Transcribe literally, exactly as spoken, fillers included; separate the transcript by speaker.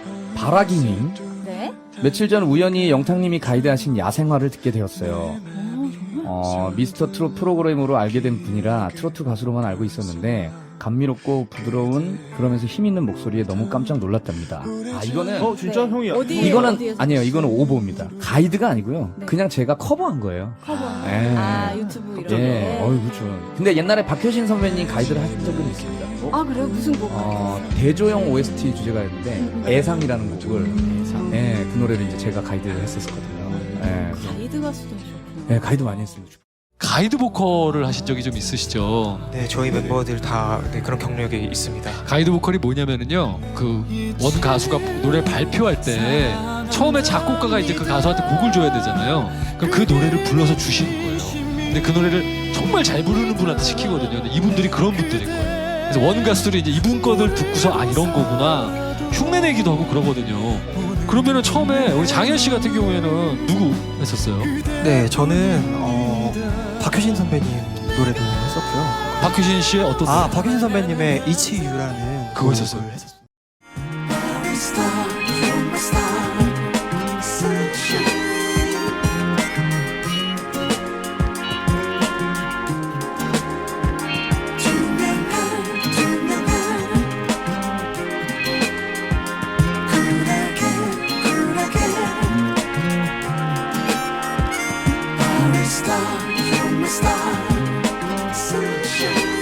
Speaker 1: 바라기님.
Speaker 2: 네.
Speaker 1: 며칠 전 우연히 영탁님이 가이드하신 야생화를 듣게 되었어요.
Speaker 2: 어, 정말?
Speaker 1: 어, 미스터 트롯 프로그램으로 알게 된 분이라 트로트 가수로만 알고 있었는데 감미롭고 부드러운 그러면서 힘있는 목소리에 너무 깜짝 놀랐답니다. 아 이거는
Speaker 3: 어 진짜
Speaker 2: 네.
Speaker 3: 형이
Speaker 2: 어디-
Speaker 1: 이거는
Speaker 2: 어디에서
Speaker 1: 아니에요. 이거는 오보입니다. 가이드가 아니고요.
Speaker 2: 네.
Speaker 1: 그냥 제가 커버한 거예요.
Speaker 2: 커버.
Speaker 1: 예.
Speaker 2: 아, 유튜브 이런
Speaker 1: 예,
Speaker 2: 거.
Speaker 1: 어이 그렇죠. 근데 옛날에 박효신 선배님 가이드를 하신 적은 있습니다.
Speaker 2: 아, 그래요? 무슨 곡?
Speaker 1: 어, 대조영 오에스티 주제가였는데 애상이라는 곡을 예, 그 노래를 이제 제가 가이드를 했었거든요. 예,
Speaker 2: 가이드 가수도 하셨구나.
Speaker 1: 예, 가이드 많이 했습니다.
Speaker 4: 가이드 보컬을 하신 적이 좀 있으시죠?
Speaker 5: 네, 저희 멤버들 다 네, 그런 경력이 있습니다.
Speaker 4: 가이드 보컬이 뭐냐면은요, 그 원 가수가 노래 발표할 때 처음에 작곡가가 이제 그 가수한테 곡을 줘야 되잖아요. 그럼 그 노래를 불러서 주시는 거예요. 근데 그 노래를 정말 잘 부르는 분한테 시키거든요. 근데 이분들이 그런 분들인 거예요. 그래서 원 가수들이 이제 이분 거들 듣고서 아 이런 거구나 흉내내기도 하고 그러거든요. 그러면은 처음에 우리 장현 씨 같은 경우에는 누구 했었어요?
Speaker 5: 네, 저는 어, 박효신 선배님 노래도 했었고요.
Speaker 4: 박효신 씨의 어떤
Speaker 5: 아,
Speaker 4: 노래?
Speaker 5: 박효신 선배님의 It's You라는
Speaker 4: 그거 했었어요?
Speaker 5: 곡을 했었어요.
Speaker 6: Star, you're my star, sunshine.